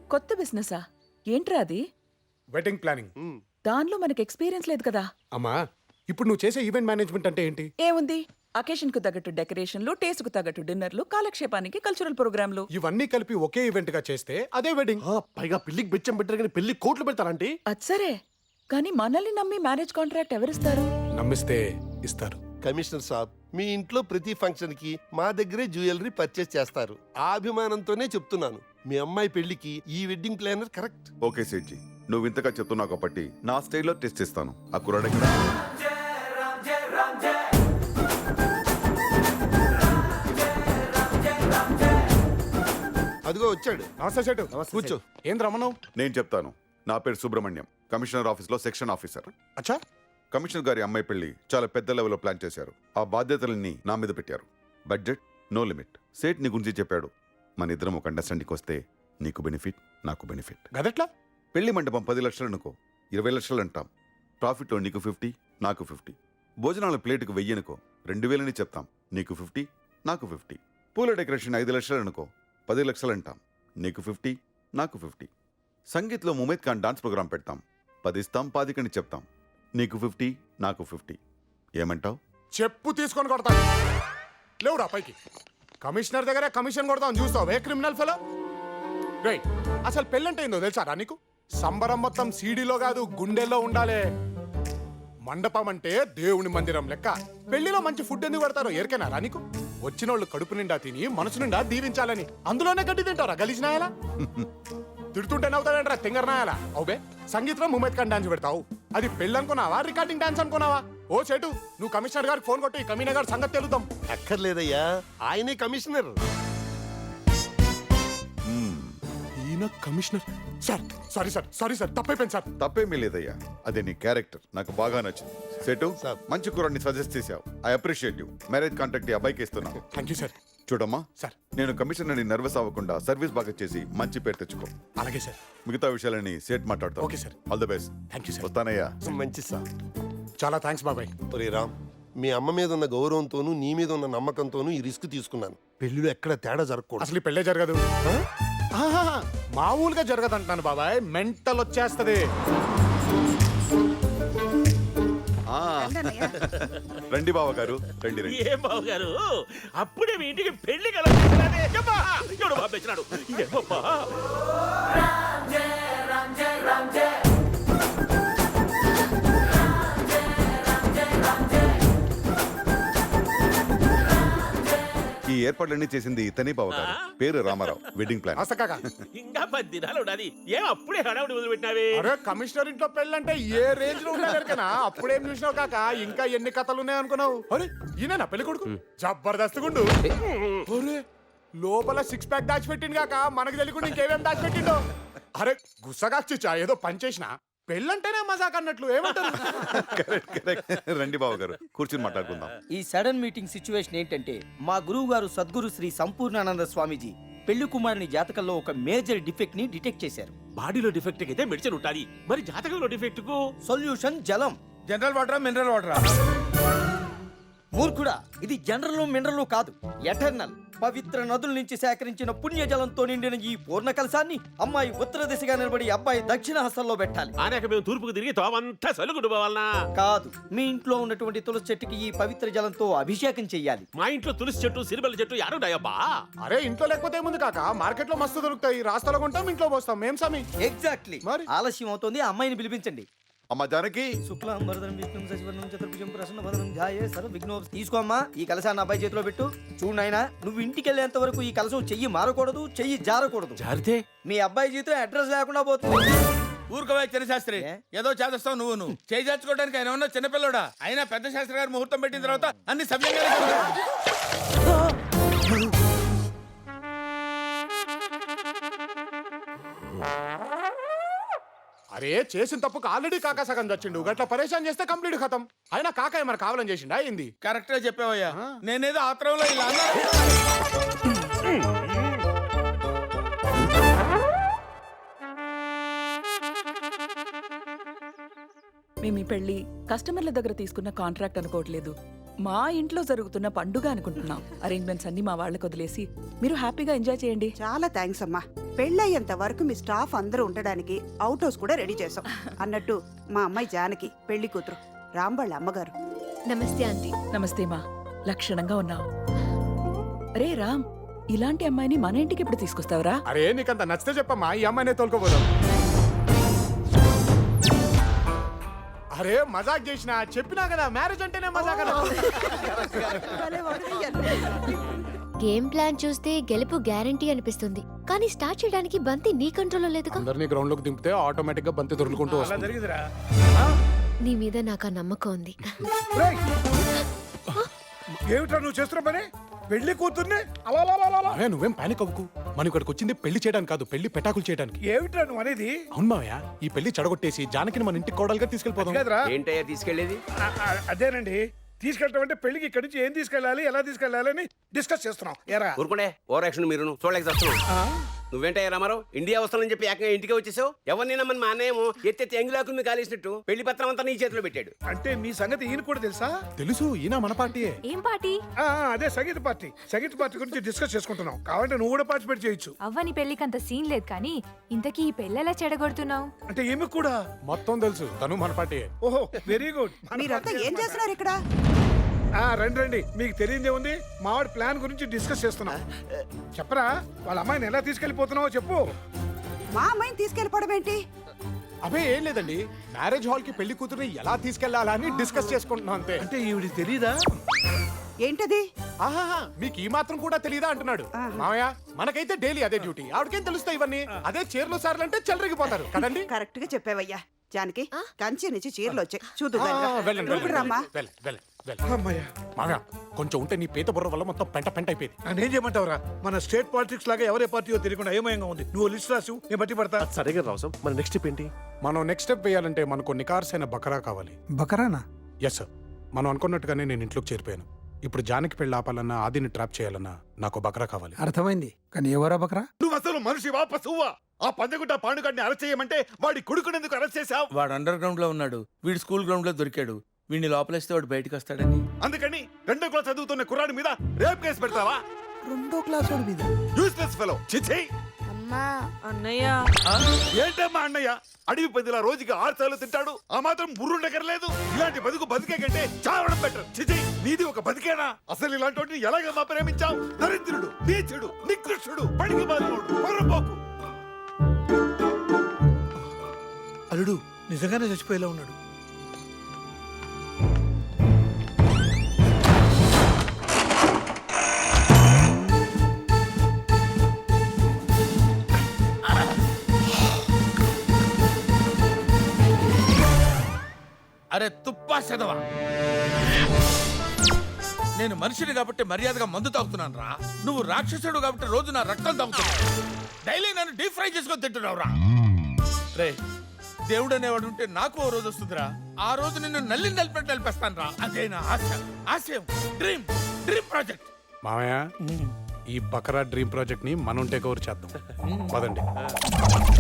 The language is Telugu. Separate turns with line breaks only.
కొత్త బిజినెసా? ఏంట్రా అది?
Wedding planning.
దానిలో మనకి ఎక్స్పీరియన్స్ లేదు కదా.
అమ్మా, ఇప్పుడు నువ్వు చేసే ఈవెంట్ మేనేజ్మెంట్ అంటే ఏంటి?
ఏముంది, అకేషన్ కు తగ్గట్టు డెకరేషన్లు, టేస్ట్ కు తగ్గట్టు డిన్నర్లు, కాలక్షేపానికి కల్చరల్ ప్రోగ్రాంలు.
ఇవన్నీ కలిపి ఒకే ఈవెంట్ గా చేస్తే అదే వెడ్డింగ్.
పైగా పెళ్లికి బిచ్చం పెట్టారు కానీ పెళ్లి కోట్లు పెడతారంటే.
అచ్చరే, కానీ మనల్ని నమ్మి మ్యారేజ్ కాంట్రాక్ట్ ఎవరిస్తారు?
నమ్మిస్తే ఇస్తారు.
కమిషనర్ సాబ్, మీ ఇంట్లో ప్రతి ఫంక్షన్ కి మా దగ్గరే జ్యువెలరీ పర్చేస్ చేస్తారు. ఆ అభిమానంతోనే చెప్తున్నాను, మీ అమ్మాయి పెళ్లికి ఈ wedding planner correct.
Okay Sethji, నువ్వు ఇంతగా చెప్తున్నావు కాబట్టి నా స్టైల్లో టెస్ట్ ఇస్తాను. ఆ కుర్రాడు
అదిగో వచ్చాడు.
నమస్తే సెటు, కూర్చో. ఏం రమ్మను?
నేను చెప్తాను. నా పేరు సుబ్రహ్మణ్యం, కమిషనర్ ఆఫీస్లో సెక్షన్ ఆఫీసర్.
అచ్చా,
కమిషనర్ గారి అమ్మాయి పెళ్లి చాలా పెద్ద లెవెల్లో ప్లాన్ చేశారు. ఆ బాధ్యతలన్నీ నా మీద పెట్టారు. Budget no limit. సేట్ నీ గురించి చెప్పాడు. మన ఇద్దరం ఒక అండర్స్టాండింగ్ వస్తే నీకు బెనిఫిట్, నాకు బెనిఫిట్.
గదెట్లా?
పెళ్లి మండపం 10 లక్షలు అనుకో, 20 లక్షలు అంటాం. ప్రాఫిట్లో నీకు 50, నాకు 50. భోజనాల ప్లేటుకు 1000 అనుకో, 2000 అని చెప్తాం. నీకు 50, నాకు 50. పూల డెకరేషన్ 5 లక్షలు అనుకో, 10 లక్షలు అంటాం. నీకు 50, నాకు 50. సంగీత్లో ముమైద్ ఖాన్ డాన్స్ ప్రోగ్రాం పెడతాం. 10 ఇస్తాం, 10 అని చెప్తాం. నీకు 50, నాకు 50. ఏమంటావు?
చెప్పు తీసుకొని కొడతాను. లేవురా పైకి. కమిషనర్ దగ్గర కమిషన్ కొడతాను చూస్తావు ఏ క్రిమినల్ ఫెలో. రైట్, అసలు పెళ్ళంటే ఏందో తెలుసారా నీకు? సంబరం మొత్తం సీడీలో కాదు, గుండెల్లో ఉండాలి. మండపం అంటే దేవుని మందిరం లెక్క. పెళ్లిలో మంచి ఫుడ్ ఎందుకు పెడతారో ఎరికేనారా నీకు? వచ్చిన వాళ్ళు కడుపు నిండా తిని మనసు నిండా దీవించాలని. అందులోనే గడ్డి తింటారా గలీజ్నాయాలా? తిడుతుంటే నవ్వుతావేంట్రా తింగరనాయాలా? అవుబే, సంగీతంలో ముమైద్ ఖాన్ డాన్స్ పెడతావు. అది పెళ్ళి అనుకున్నావా, రికార్డింగ్ డాన్స్ అనుకున్నావా? ఓ చెటు, నువ్వు కమిషనర్ గారికి ఫోన్ కొట్టి కమిషనర్ గారి సంగతి తెలుద్దాం.
అక్కర్లేదయ్యా, ఆయనే కమిషనర్.
ఈయన commissioner. Sir sorry sir, sorry sir, తప్పైపోయింది సార్.
తప్పేమీ లేదయ్యా, అదే నీ క్యారెక్టర్ నాకు బాగా నచ్చింది. సెటు,
సార్.
మంచి కుర్రాడిని సజెస్ట్ చేశావు. I appreciate you. Marriage contract ఈ అబ్బాయికి ఇస్తున్నాను.
Thank you sir.
చూడమ్మా
సార్.
నేను కమిషనర్ని నర్వస్ అవ్వకుండా సర్వీస్ బాగా చేసి మంచి పేరు తెచ్చుకో.
అలాగే సార్.
మిగతా విషయాలని సేట్ మాట్లాడతాం.
Okay sir.
All the best.
Thank you sir.
వస్తానయ్యా.
మంచి సార్.
చాలా థ్యాంక్స్ బాబాయ్.
ఒరే రామ్, మీ అమ్మ మీద ఉన్న గౌరవంతోనూ నీ మీద ఉన్న నమ్మకంతోనూ ఈ రిస్క్ తీసుకున్నాను. పెళ్లిలో ఎక్కడ తేడా జరగకూడదు.
అసలు ఈ పెళ్ళే జరగదు. ఆహాహా, మామూలుగా జరగదు అంటున్నాను బాబాయ్. మెంటల్ వచ్చేస్తది.
ఆ, రండి బావ గారు, రండి రండి.
ఏం బాబు గారు, అప్పుడే మీ ఇంటికి పెళ్లి కలడు పంపించినాడు.
ఈ ఏర్పాట్లన్నీ చేసింది ఇతనే బావ గారు. పేరు రామారావు. Wedding plan.
అసకాక
ఇంకా 10 దినాలు ఉండాలి. ఏం అప్పుడే హడావుడి మొదలుపెట్టినావే?
అరే, కమిషనర్ ఇంట్లో పెళ్ళంటే ఏ రేంజ్ లో ఉండేనా? అప్పుడేం చూసినావు కాక, ఇంకా ఎన్ని కథలు ఉన్నాయి అనుకున్నావు? అరే, ఈయన పెళ్లి కొడుకు జబర్దస్త్ గుండు. అరే, లోపల 6 ప్యాక్ దాచిపెట్టిండు కాక, మనకు తెలియకుండా ఇంకేమేం దాచిపెట్టిండో. అరే గుస్సగా చిచ్చా, ఏదో పని చేసిన. పెళ్ళంటేనే మజాక్ అన్నట్లు. ఏమంటారు?
Correct, correct. రండి బావ గారు, కూర్చుని మాట్లాడుకుందాం.
ఈ సడన్ మీటింగ్ సిచ్యువేషన్ ఏంటంటే, మా గురువు గారు సద్గురు శ్రీ సంపూర్ణానంద స్వామీజీ పెళ్లి కుమారుని జాతకంలో ఒక మేజర్ డిఫెక్ట్ ని డిటెక్ట్ చేశారు.
బాడీలో డిఫెక్ట్ అయితే మెడిసిన్ ఉంటాది, మరి జాతకంలో డిఫెక్ట్ కు
సొల్యూషన్ జలం.
జనరల్ వాటరా, మినరల్ వాటరా?
మూర్ఖుడా, ఇది జనరల్ మినరల్ కాదు, ఎటర్నల్. పవిత్ర నదుల నుంచి సేకరించిన పుణ్య జలంతో నిండిన ఈ పూర్ణ కలశాన్ని అమ్మాయి ఉత్తర దిశగా నిలబడి అబ్బాయి దక్షిణ హస్తంలో పెట్టాలి.
ఆనాక మేము తూర్పుకు తిరిగి తోమంతా సలుగుడు పోవాలనా?
కాదు, మీ ఇంట్లో ఉన్నటువంటి తులసి చెట్టుకి ఈ పవిత్ర జలంతో అభిషేకం చెయ్యాలి.
మా ఇంట్లో తులసి చెట్టు, సిరిబల చెట్టు యారున్నాయబ్బా?
అరే, ఇంట్లో లేకపోతే ఏముంది కాక, మార్కెట్ లో మస్తు దొరుకుతాయి. రాస్తాలో కొంటాం, ఇంట్లో పోస్తాం. మేం సమీ.
ఎగ్జాక్ట్లీ.
మరి?
ఆలస్యం అవుతుంది, ఆ అమ్మాయిని పిలిపించండి.
అమ్మ జానకి.
శుక్లాం వరదరం విష్ణుం శశివర్ణం చతుర్భుజం ప్రసన్నవదనం ధ్యాయే సర్వ విఘ్నోప. తీసుకోమ్మా, ఈ కలశాన్ని అబ్బాయి చేతిలో పెట్టు. చూడు నాయనా, నువ్వు ఇంటికి వెళ్ళేంత వరకు ఈ కలశం చెయ్యి మారకూడదు, చెయ్యి జారకూడదు.
జారితే
మీ అబ్బాయి జీతం అడ్రస్ లేకుండా పోతుంది.
ఊరుకోవా చిన్నశాస్త్రి, ఏదో చేదస్తావు నువ్వు. చేయించుకోవడానికి ఆయన ఉన్న చిన్నపిల్లడా? అయినా పెద్ద శాస్త్రి గారు ముహూర్తం పెట్టిన తర్వాత అన్ని సవ్యంగా.
అరే, చేసిన తప్పుకు ఆల్రెడీ కాకా సగం చచ్చిండు. గట్లా పరేషాన్ చేస్తే కంప్లీట్ ఖతం. అయినా కాక ఏమన్నా కావాలని చేసిండా ఏంది?
కరెక్ట్ గా చెప్పావయ్యా. నేనేదో ఆత్రంలో ఇలా అన్నా.
మేము ఈ పెళ్లి కస్టమర్ల దగ్గర తీసుకున్న కాంట్రాక్ట్ అనుకోవట్లేదు, మా ఇంట్లో జరుగుతున్న పండుగ అనుకుంటున్నాం. అరేంజ్మెంట్స్ అన్ని మా వాళ్ళకి వదిలేసి మీరు హ్యాపీగా ఎంజాయ్ చేయండి.
చాలా థ్యాంక్స్ అమ్మా. పెళ్ళయ్యేంత వరకు మీ స్టాఫ్ అందరూ ఉండడానికి అవుట్ హౌస్ కూడా రెడీ చేసాం. అన్నట్టు మా అమ్మాయి జానకి పెళ్లి కూతురు, రామ్ వాళ్ళ అమ్మగారు.
నమస్తే ఆంటీ.
నమస్తే మా, లక్షణంగా ఉన్నావు. రే రామ్, ఇలాంటి అమ్మాయిని మన ఇంటికి ఎప్పుడు తీసుకొస్తావురా?
అరే నీకంత నచ్చితే చెప్పమ్మా, ఈ అమ్మాయినే తోలుకోపోదాం. అరే మజాక్ చేసిన, చెప్పినా కదా మ్యారేజ్ అంటేనే మజాక్ కదా.
గేమ్ ప్లాన్ చూస్తే గెలుపు గ్యారంటీ అనిపిస్తుంది, కానీ స్టార్ట్ చేయడానికి బంతి నీ కంట్రోల్లో లేదుగా.
అందరినీ గ్రౌండ్ లోకి దింపితే ఆటోమేటిక్ గా బంతి దొరుకుంటూ
అలా
వస్తుంది.
జరిగిందిరా.
నీ మీద నాకు ఆ నమ్మకం ఉంది.
రేయ్! ఏమిట్రా నువ్వు చేస్తున్న పని? పెళ్లి కూతుర్ని అలా అలా అలా అలా.
మావయ్య నువ్వేం పానిక్ అవ్వకు, మనం ఇక్కడికి వచ్చింది పెళ్లి చేయడానికి కాదు, పెళ్లి పెటాకులు చేయడానికి.
ఏమిట్రా నువ్వు అనేది?
అవును మావయ్య, ఈ పెళ్లి చెడగొట్టేసి జానకిని మన ఇంటికి కోడలుగా తీసుకెళ్ళిపోదాం.
కాదురా.
ఏంటయ్యా తీసుకెళ్లేది?
అదేనండి, తీసుకెళ్ళటం అంటే పెళ్లికి ఇక్కడి నుంచి ఏం తీసుకెళ్ళాలి, ఎలా తీసుకెళ్ళాలి అని డిస్కస్ చేస్తున్నాం. ఎరా
ఊరుకుండే ఓవర్ యాక్షన్ మీరు చూడలేక వస్తున్నావు. నువ్వేంటయ్యా రామారావు, ఇండియా వస్తానని చెప్పి ఏకంగా ఇంటికి వచ్చేసావు. ఎవరినైనా మన మా అన్నయ్యేమో ఎత్తెత్తి ఎంగిలాకుని కాలేసినట్టు పెళ్లి పత్రం అంతా నీ చేతిలో పెట్టాడు.
అంటే మీ సంగతి ఈయన కూడా తెలుసా?
తెలుసు, ఈయన మన పార్టీయే.
ఏం పార్టీ?
అదే సంగీత పార్టీ. సంగీత పార్టీ గురించి డిస్కస్ చేసుకుంటున్నాం. కావాలంటే నువ్వు కూడా పార్టిసిపేట్ చేయొచ్చు.
అవ్వని పెళ్లికి అంత సీన్ లేదు, కానీ ఇంతకీ ఈ పెళ్ళెలా చెడగొడుతున్నావు?
అంటే ఏమి కూడా
మొత్తం తెలుసు, తను మన పార్టీయే.
ఓహో వెరీ గుడ్.
మీరంతా ఏం చేస్తున్నారు ఇక్కడ?
రండి రండి, మీకు తెలియదే ఉంది. మావాడి ప్లాన్ గురించి డిస్కస్ చేస్తున్నాం. చెప్పరా, వాళ్ళ అమ్మాయిని ఎలా తీసుకెళ్లిపోతున్నావో చెప్పు.
మా అమ్మాయిని తీసుకెళ్ళిపోవడం ఏంటి?
అబే ఏం లేదండి, మ్యారేజ్ హాల్ కి పెళ్లి కూతురుని ఎలా తీసుకెళ్లాలా అని డిస్కస్ చేసుకుంటున్నాం అంతే.
అంటే ఈవిడ తెలీదా?
ఏంటది?
ఆహాహా, మీకు ఈ మాత్రం కూడా తెలియదా అంటున్నాడు. మావయ్య మనకైతే డైలీ అదే డ్యూటీ, ఆవిడకేం తెలుస్తాయి ఇవన్నీ. అదే చీరలు సార్లు అంటే చెలరిగిపోతారు కదండి.
కరెక్ట్ గా చెప్పావయ్యా. జానకి, కంచి నుంచి చీరలు వచ్చాయి చూదు.
వెళ్ళండి
రామ్మా.
అమ్మాయ్యా,
మావయ్య కొంచెం ఉంటే నీ పీత బుర్ర వల్ల మొత్తం పెంట పెంట అయిపోయింది.
నేనేం చేయమంటావురా? మన స్టేట్ పాలిటిక్స్ లాగా ఎవరే పార్టీయో తెలియకుండా ఏమయంగా ఉంది. నువ్వు లిస్ట్ రాసు, నేను బట్టి పడతా.
సరిగా రావు. మన నెక్స్ట్ స్టెప్ ఏంటి?
మనం నెక్స్ట్ స్టెప్ వేయాలంటే మనకు నికార్సైన బకరా కావాలి.
బకరానా?
ఎస్ సార్, మనం అనుకున్నట్టుగానే నేను ఇంట్లోకి చేరిపోయాను. ఇప్పుడు జానకి పెళ్లి ఆపాలన్నా, ఆదిని ట్రాప్ చేయాలన్నా నాకు బకరా కావాలి.
అర్థమైంది, కానీ ఎవరా బకరా?
నువ్వు అసలు మనిషి పశువా? ఆ పందగుట్ట పాండుగడ్ని అరెస్ట్ చేయమంటే వాడి కొడుకునేందుకు అరెస్ట్ చేశావు? వాడు అండర్ గ్రౌండ్ లో ఉన్నాడు, వీడు స్కూల్ గ్రౌండ్ లో దొరికాడు. వీడిని లోపలేస్తే వాడు బయటకు వస్తాడని. అందుకని 2వ క్లాస్ చదువుతున్న కుర్రాడి మీద రేప్ కేసు పెడతావా?
2వ క్లాస్ వాడి మీద?
Useless fellow. చిచి.
అన్నయ్య,
ఏంటమ్మా అన్నయ్య? అడవి పందిలా రోజుకి 6 సార్లు తింటాడు, ఆ మాత్రం బుర్రుండకర్లేదు. ఇలాంటి బతుకు బతికే కంటే చావడం బెటర్. చిచి, నీది ఒక బతికేనా? అసలు ఇలాంటి వాటిని ఎలాగమ్మా ప్రేమించావు? దరిద్రుడు, నీచుడు, నికృష్టుడు, పడికి బాధుడు, పొరపోకు.
అల్లుడు నిజంగానే చచ్చిపోయేలా ఉన్నాడు.
అరే తుప్పా చదవా, నేను మనిషిని కాబట్టి మర్యాదగా మందు తాగుతున్నాను రా. నువ్వు రాక్షసుడు కాబట్టి రోజు నా రక్తం తాగుతున్నావు. డైలీ నన్ను డీప్ ఫ్రై చేసుకొని తింటున్నావు రా. రే, దేవుడు అనేవాడు ఉంటే నాకు ఓ రోజు వస్తుందిరా. ఆ రోజు నిన్ను నలిపెట్టి నలిపేస్తాను రా. అదే నా ఆశ, ఆశయం, డ్రీమ్ ప్రాజెక్ట్.
మావయ్య, ఈ బకరా డ్రీమ్ ప్రాజెక్ట్ ని మనం టేక్ ఓవర్ చేద్దాం. పదండి.